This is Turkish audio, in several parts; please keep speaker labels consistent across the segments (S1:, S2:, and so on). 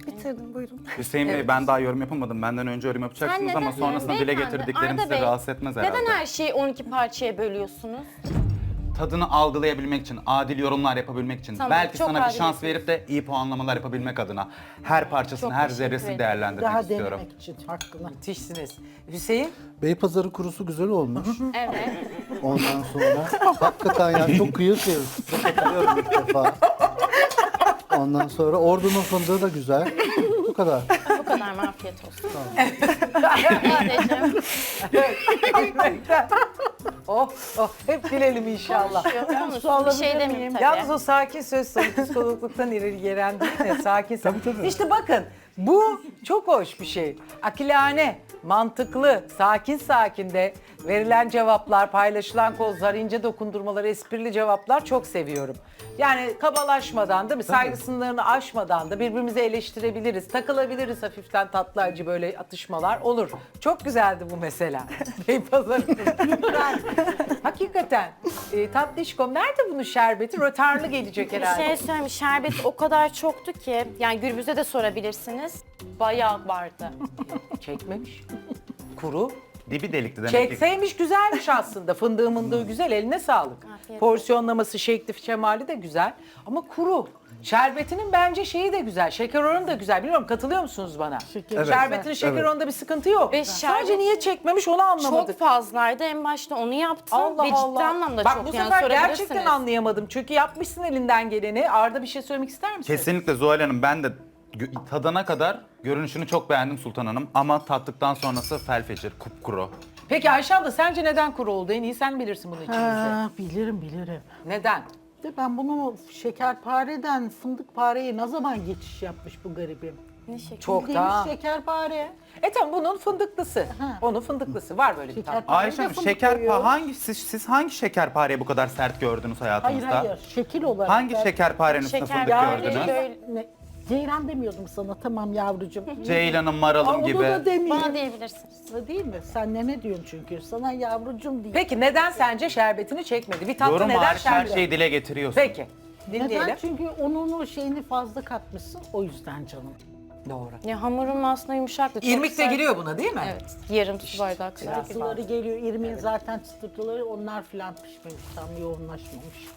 S1: Bitirdim, buyurun.
S2: Hüseyin Bey, ben daha yorum yapamadım. Benden önce yorum yapacaksınız ama sonrasında dile
S3: Beyefendi,
S2: getirdiklerim
S3: Arda
S2: sizi
S3: Bey,
S2: rahatsız etmez herhalde.
S3: Neden her şeyi 12 parçaya bölüyorsunuz?
S2: Tadını algılayabilmek için, adil yorumlar yapabilmek için,
S3: Tamam,
S2: belki
S3: çok
S2: sana bir
S3: adil
S2: şans
S3: yapıyorsunuz.
S2: verip de iyi puanlamalar yapabilmek adına her parçasını,
S3: Çok
S2: her
S3: teşekkür
S2: zerresini
S3: ederim.
S2: değerlendirmek
S4: Daha
S2: istiyorum.
S4: denemek için hakkını.
S5: Müthişsiniz. Hüseyin?
S6: Beypazarı kurusu güzel olmuş.
S3: Evet.
S6: Ondan sonra hakikaten yani çok kıyır kıyır. Size katılıyorum ilk defa. Ondan sonra Ordu'nun fındığı da güzel. Bu kadar.
S3: Bu kadar mı? Afiyet olsun. Teyzeciğim,
S5: Oh, oh, hep gülelim inşallah.
S3: konuşuyor. Bir şey demeyeyim tabii.
S5: Yalnız o sakin söz sonu psikologluktan ileri gelen değil de sakin.
S6: Tabii.
S5: İşte bakın bu çok hoş bir şey. Akilane, mantıklı, sakin de verilen cevaplar, paylaşılan kozlar, ince dokundurmalar, esprili cevaplar çok seviyorum. Yani kabalaşmadan değil mi? Saygı sınırlarını aşmadan da birbirimizi eleştirebiliriz, takılabiliriz hafiften tatlı acı böyle atışmalar olur. Çok güzeldi bu mesela. Beypazarı. Hakikaten. Tatlışkom nerede bunun şerbeti? Rötarlı gelecek
S3: Bir
S5: herhalde.
S3: şey söyleyeyim, şerbet o kadar çoktu ki, yani Gürbüz'e de sorabilirsiniz. Bayağı vardı.
S5: Çekmemiş. Kuru.
S2: Dibi delikti demek ki.
S5: Çekseymiş güzelmiş aslında. Fındığı mındığı güzel, eline sağlık.
S3: Afiyet
S5: Porsiyonlaması, şekli, şemali de güzel. Ama kuru. Şerbetinin bence şeyi de güzel. Şeker oranı da güzel. Bilmiyorum, katılıyor musunuz bana?
S6: Evet.
S5: Şerbetinin şeker
S6: Evet.
S5: oranında bir sıkıntı yok.
S3: Ve
S5: Sadece
S3: şerbet-
S5: niye çekmemiş onu anlamadık.
S3: Çok fazlaydı. En başta onu yaptım
S5: Allah
S3: ve ciddi
S5: Allah.
S3: anlamda
S5: Bak
S3: çok
S5: bu
S3: yani
S5: sefer
S3: sorabilirsiniz.
S5: gerçekten anlayamadım. Çünkü yapmışsın elinden geleni. Arda bir şey söylemek ister misin?
S2: Kesinlikle Zuhal Hanım, ben de tadana kadar görünüşünü çok beğendim Sultan Hanım. Ama tattıktan sonrası felfecir, kupkuru.
S5: Peki Ayşe abla sence neden kuru oldu? En iyi sen bilirsin bunu içimize.
S4: Ha, bilirim.
S5: Neden?
S4: De ben bunu şekerpareden fındıkpareye ne zaman geçiş yapmış bu garibim?
S3: Ne şekil?
S5: Çok
S4: Bildiğimiz
S5: da.
S4: şekerpare.
S5: Tamam bunun fındıklısı. Onun fındıklısı var böyle bir tane.
S4: Şekerpare
S2: Ayşe
S4: de
S2: Hanım,
S4: fındık koyuyor.
S2: siz hangi şekerpareyi bu kadar sert gördünüz
S4: Hayır
S2: hayatınızda?
S4: hayır, şekil olarak.
S2: Hangi
S4: Ben-
S2: şekerparenin üstünde
S3: Şeker
S2: fındık
S3: yani
S2: gördünüz?
S3: böyle-
S4: Ne? Ceylan demiyordum sana, tamam yavrucuğum.
S2: Ceylan'ım,
S4: Aa,
S2: maralım
S4: onu
S2: gibi.
S4: da demiyorum.
S3: Bana diyebilirsiniz.
S4: Değil mi? Sen ne diyorsun çünkü? Sana yavrucuğum değil.
S5: Peki neden sence şerbetini çekmedi? Bir tatlı
S2: Yorum
S5: neden
S2: hariç her
S5: şerbet?
S2: şeyi dile getiriyorsun.
S5: Peki. Dinleyelim.
S4: Neden? Çünkü onun o şeyini fazla katmışsın. O yüzden canım.
S5: Doğru.
S3: Ya hamurum aslında yumuşaktı. çok
S5: İrmik de
S3: sert.
S5: giriyor buna değil mi?
S3: Evet. Yarım su bardağı kadar.
S4: Çıtırtıları geliyor. İrmiğin zaten çıtırtıları onlar filan pişmemiş. Tam yoğunlaşmamış.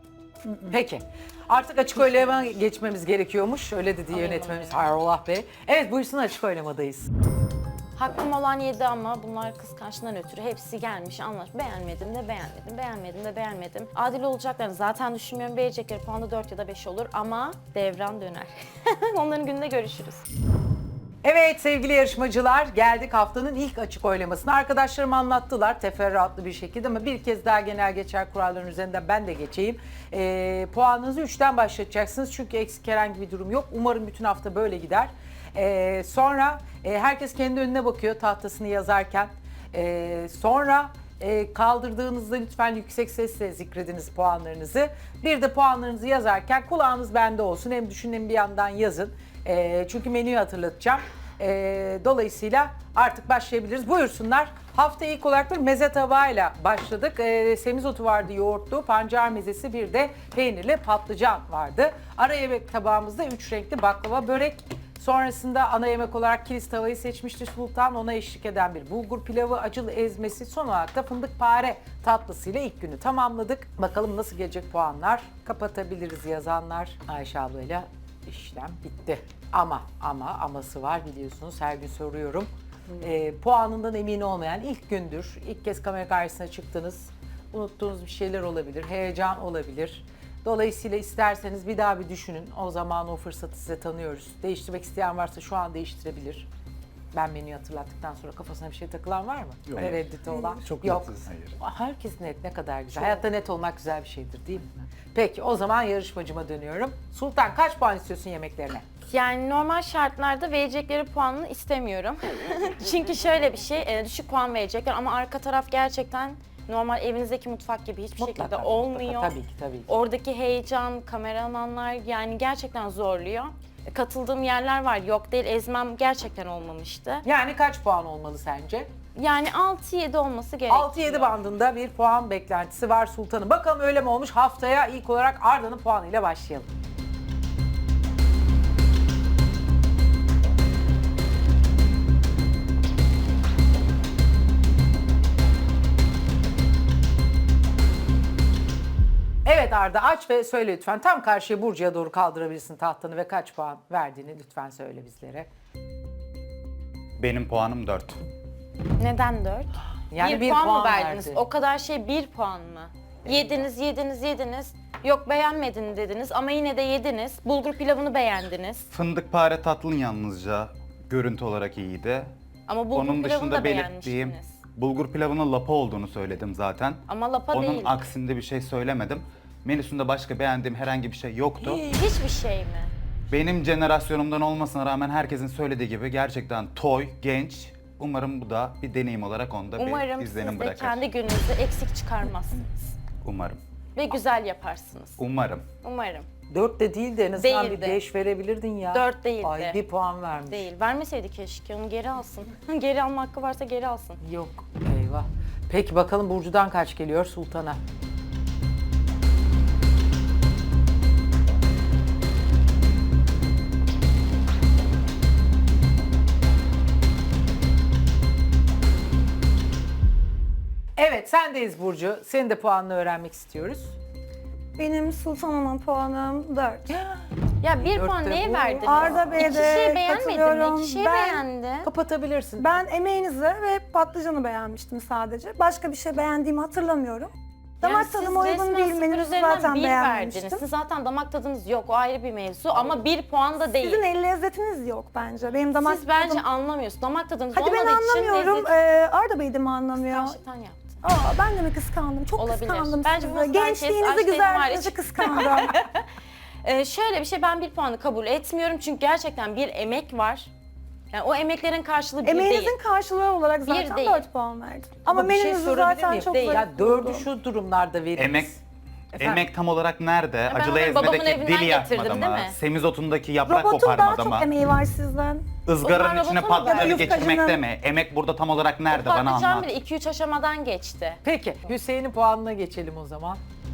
S5: Peki. Artık açık oylama geçmemiz gerekiyormuş. Öyle dedi yönetmenimiz Hayrolah Bey. Evet buyursun, açık oylamadayız.
S3: Hakkım olan 7 ama bunlar kıskançlığından ötürü hepsi gelmiş anlaş. Beğenmedim de beğenmedim, beğenmedim de beğenmedim. Adil olacaklarını zaten düşünmüyorum. Verecekleri puan da 4 ya da 5 olur ama devran döner. Onların gününde görüşürüz.
S5: Evet sevgili yarışmacılar, geldik haftanın ilk açık oylamasına. Arkadaşlarım anlattılar teferruatlı bir şekilde ama bir kez daha genel geçer kuralların üzerinden ben de geçeyim. Puanınızı 3'ten başlatacaksınız çünkü eksik herhangi bir durum yok. Umarım bütün hafta böyle gider. Sonra herkes kendi önüne bakıyor tahtasını yazarken. Sonra kaldırdığınızda lütfen yüksek sesle zikrediniz puanlarınızı. Bir de puanlarınızı yazarken kulağınız bende olsun. Hem düşünün hem bir yandan yazın. Çünkü menüyü hatırlatacağım. Dolayısıyla artık başlayabiliriz. Buyursunlar. Hafta ilk olarak bir meze tabağıyla başladık. Semizotu vardı, yoğurtlu, pancar mezesi, bir de peynirli patlıcan vardı. Ara yemek tabağımızda 3 renkli baklava börek. Sonrasında ana yemek olarak kilis tavayı seçmişti Sultan. Ona eşlik eden bir bulgur pilavı, acılı ezmesi, son olarak da fındıkpare tatlısıyla ilk günü tamamladık. Bakalım nasıl gelecek puanlar? Kapatabiliriz yazanlar. Ayşe ablayla işlem bitti. Aması var biliyorsunuz, her gün soruyorum. Puanından emin olmayan ilk gündür. İlk kez kamera karşısına çıktınız. Unuttuğunuz bir şeyler olabilir, heyecan olabilir. Dolayısıyla isterseniz bir daha bir düşünün. O zaman o fırsatı size tanıyoruz. Değiştirmek isteyen varsa şu an değiştirebilir. Ben menüyü hatırlattıktan sonra kafasına bir şey takılan var mı?
S6: Yok.
S5: Tereddütü olan?
S6: Çok
S5: Yok.
S6: netiz.
S5: Herkes net, ne kadar güzel. Hayatta net olmak güzel bir şeydir değil mi? Peki o zaman yarışmacıma dönüyorum. Sultan kaç puan istiyorsun yemeklerine?
S3: Yani normal şartlarda verecekleri puanını istemiyorum. Çünkü şöyle bir şey, düşük puan verecekler ama arka taraf gerçekten normal evinizdeki mutfak gibi hiçbir şekilde olmuyor.
S5: Tabii ki, tabii ki.
S3: Oradaki heyecan, kameramanlar yani gerçekten zorluyor. Katıldığım yerler var, yok değil, ezmem gerçekten olmamıştı.
S5: Yani kaç puan olmalı sence?
S3: Yani 6-7 olması gerekiyor.
S5: 6-7 bandında bir puan beklentisi var Sultan'ın. Bakalım öyle mi olmuş? Haftaya ilk olarak Arda'nın puanıyla başlayalım. Arda aç ve söyle lütfen. Tam karşıya Burcu'ya doğru kaldırabilirsin tahtanı ve kaç puan verdiğini lütfen söyle bizlere.
S2: Benim puanım 4.
S3: Neden 4?
S5: Yani
S3: bir puan mı verdiniz?
S5: verdi.
S3: O kadar şey 1 puan mı? Yediniz. Yok beğenmedin dediniz ama yine de yediniz. Bulgur pilavını beğendiniz.
S2: Fındıkpare tatlın yalnızca görüntü olarak iyiydi.
S3: Ama bulgur
S2: Onun
S3: pilavını
S2: dışında
S3: da
S2: belirttiğim
S3: beğenmiştiniz.
S2: bulgur pilavının lapa olduğunu söyledim zaten.
S3: Ama lapa
S2: Onun
S3: değil.
S2: aksinde bir şey söylemedim. Menüsünde başka beğendiğim herhangi bir şey yoktu.
S3: Hiçbir şey mi?
S2: Benim jenerasyonumdan olmasına rağmen herkesin söylediği gibi gerçekten toy, genç. Umarım bu da bir deneyim olarak onda
S3: Umarım
S2: bir
S3: siz
S2: izlenim
S3: de
S2: bırakır.
S3: kendi gününüzü eksik çıkarmazsınız.
S2: Umarım.
S3: Ve güzel yaparsınız.
S2: Umarım.
S3: Umarım.
S5: 4 de değil de en azından
S3: Değildi.
S5: bir 5 verebilirdin ya.
S3: 4 değildi.
S5: Ay bir puan vermiş.
S3: Değil. Vermeseydi keşke. Onu geri alsın. Geri alma hakkı varsa geri alsın.
S5: Yok. Eyvah. Peki bakalım Burcu'dan kaç geliyor Sultan'a? Evet sendeyiz Burcu. Senin de puanını öğrenmek istiyoruz.
S1: Benim Sultan Hanım puanım 4.
S3: Ya bir
S5: Dörtte
S3: puan neye
S5: bu.
S3: verdiniz?
S1: Arda Bey'e
S3: İki
S1: de
S3: şey beğenmedi mi?
S1: katılıyorum.
S3: İki şey
S1: Ben-
S3: beğendi.
S5: Kapatabilirsin.
S1: Ben emeğinizi ve patlıcanı beğenmiştim sadece. Başka bir şey beğendiğimi hatırlamıyorum. Damak
S3: Yani siz
S1: tadıma uygun
S3: resmen
S1: değil.
S3: sıfır
S1: Menüsü
S3: üzerinden
S1: zaten
S3: bir
S1: beğenmemiştim.
S3: verdiniz. Sizin zaten damak tadınız yok. O ayrı bir mevzu ama bir puan da değil.
S1: Sizin el lezzetiniz yok bence. Benim damak
S3: Siz bence
S1: tadım...
S3: anlamıyorsunuz. Damak tadınız
S1: Hadi ben
S3: olmadığı için
S1: anlamıyorum.
S3: lezzet
S1: Arda Bey de mi anlamıyor?
S3: gerçekten yaptı.
S1: Ben de mi kıskandım? Çok
S3: Olabilir.
S1: kıskandım
S3: Bence
S1: sizi.
S3: bu
S1: Gençliğinizi,
S3: herkes
S1: güzelliğinizi
S3: hariç.
S1: kıskandım.
S3: Şöyle bir şey, ben bir puanı kabul etmiyorum çünkü gerçekten bir emek var. Yani o emeklerin karşılığı bir
S1: Emeğinizin
S3: değil.
S1: karşılığı olarak zaten
S3: değil.
S1: 4 puan verdim. Ama
S5: bir şey
S1: menünüzü
S5: sorabilir
S1: zaten
S5: miyim?
S1: çok
S3: Değil.
S1: zayıf
S5: Ya 4'ü
S1: buldum.
S5: şu durumlarda veririz.
S2: Emek Emek tam olarak nerede?
S3: ben
S2: Acılı
S3: onu babamın
S2: ezmedeki
S3: evinden
S2: dil yakmadı
S3: getirdim,
S2: mı?
S3: değil mi?
S2: Semizotundaki yaprak
S1: Robotun daha
S2: koparmadı
S1: çok
S2: mı?
S1: emeği var sizden.
S2: Izgaranın
S3: O
S2: içine
S3: zaman robotun
S2: patlıcanı
S1: yufkacının-
S2: geçirmekte mi? Emek burada tam olarak nerede? Bana
S3: Patlıcan
S2: anlat.
S3: bile 2-3 aşamadan geçti.
S5: Peki Hüseyin'in puanına geçelim o zaman.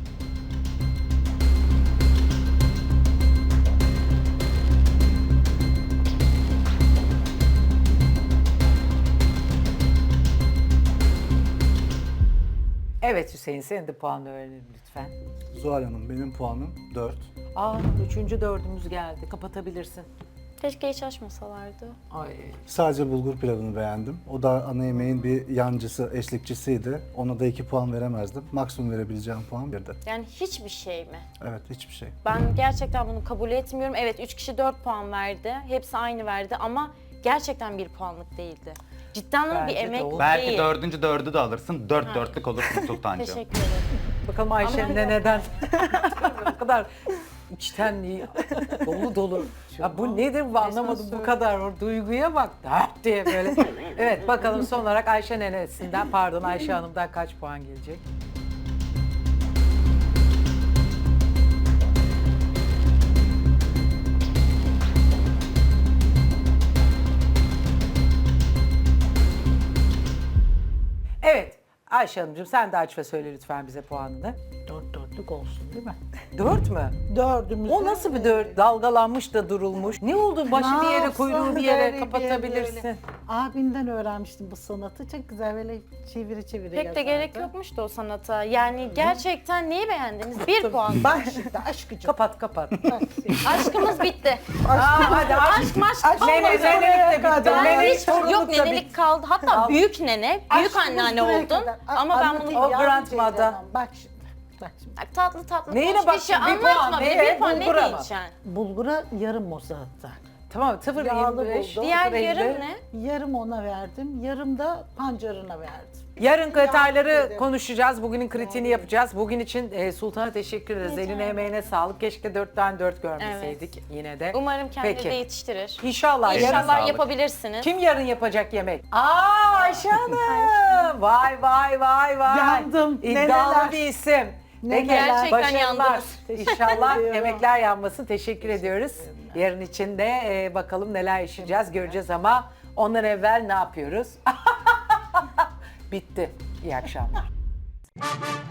S5: Evet Hüseyin senin de puanını öğrenelim lütfen.
S6: Zuhal Hanım benim puanım 4.
S5: Aa üçüncü dördümüz geldi. Kapatabilirsin.
S3: Keşke hiç açmasalardı.
S5: Ay.
S6: Sadece bulgur pilavını beğendim. O da ana yemeğin bir yancısı, eşlikçisiydi. Ona da 2 puan veremezdim. Maksimum verebileceğim puan 1'di.
S3: Yani hiçbir şey mi?
S6: Evet, hiçbir şey.
S3: Ben gerçekten bunu kabul etmiyorum. Evet 3 kişi 4 puan verdi. Hepsi aynı verdi ama gerçekten bir puanlık değildi. Cidden ama
S5: Bence
S3: bir
S5: de
S3: emek
S5: o.
S2: Belki
S3: değil.
S2: dördüncü dördü de alırsın. Dörtlük olursun Sultancığım.
S3: Teşekkür ederim.
S5: Bakalım Ayşe'nin de neden? O kadar içten dolu dolu. Ya bu nedir bu anlamadım bu kadar. O duyguya bak. Dert diye böyle. Evet bakalım son olarak Ayşe nenesinden pardon Ayşe Hanım'dan kaç puan gelecek? Evet Ayşe Hanımcığım sen de aç ve söyle lütfen bize puanını.
S4: 4 olsun değil mi?
S5: 4 mü?
S4: Dördümüz.
S5: O nasıl bir dört? Dalgalanmış da durulmuş. Ne oldu? Başı bir yere, kuyruğu bir yere kapatabilirsin.
S4: Böyle. Abinden öğrenmiştim bu sanatı. Çok güzel böyle çeviri çeviri
S3: Pek de
S4: yazardı.
S3: gerek yokmuş da o sanata. Yani gerçekten neyi beğendiniz? Bir puan.
S4: Bak şimdi aşkıcım.
S5: Kapat kapat.
S3: Aşkımız bitti.
S5: Hadi
S3: Aşk maşk
S4: Aşk
S3: kalmadı.
S5: Nenelik de bitti.
S3: Ben
S5: Nenelik,
S3: hiç
S5: torunluk
S3: yok
S5: da
S3: nenelik
S5: bitti.
S3: kaldı. Hatta büyük nene, büyük
S4: Aşkımız
S3: anneanne
S4: buraya
S3: oldun.
S4: kadar.
S3: Ama ben
S4: Anlatayım
S3: bunu
S5: O
S4: yavrum
S5: grandmother.
S4: teyzem. Bak şimdi. Bak şimdi.
S3: tatlı tatlı
S5: Neyine
S3: konuş
S5: bak
S3: bir şey
S5: şimdi? Bir puan.
S3: anlatma.
S5: Neye?
S3: Bir puan ne
S5: Bulgura mı?
S3: diyeceksin?
S4: Bulgura yarım o zaten.
S5: Tamam 0
S4: Yağlı
S5: 25.
S4: buldum.
S3: Diğer
S5: 0.50.
S3: yarım ne?
S4: Yarım ona verdim. Yarım da pancarına verdim.
S5: Yarın detayları
S4: ederim.
S5: konuşacağız. Bugünün kritiğini yapacağız. Bugün için Sultan'a teşekkür ederiz. Eline emeğine sağlık. Keşke 4'ten 4 görmeseydik yine de.
S3: Umarım kendini
S5: Peki.
S3: de yetiştirir.
S5: İnşallah.
S2: Eline
S5: Yarın
S3: İnşallah
S2: sağlık.
S3: yapabilirsiniz.
S5: kim yarın yapacak yemek? Aa Ayşe Hanım. Vay vay vay vay.
S4: Yandım.
S5: İddialı
S4: Neneler.
S5: bir isim. Peki,
S3: Gerçekten
S5: başarılar.
S3: yandınız.
S5: İnşallah
S4: ediyorum.
S5: emekler yanmasın. Teşekkür ediyoruz. Yarın için de bakalım neler yaşayacağız, göreceğiz ama ondan evvel ne yapıyoruz? Bitti. İyi akşamlar.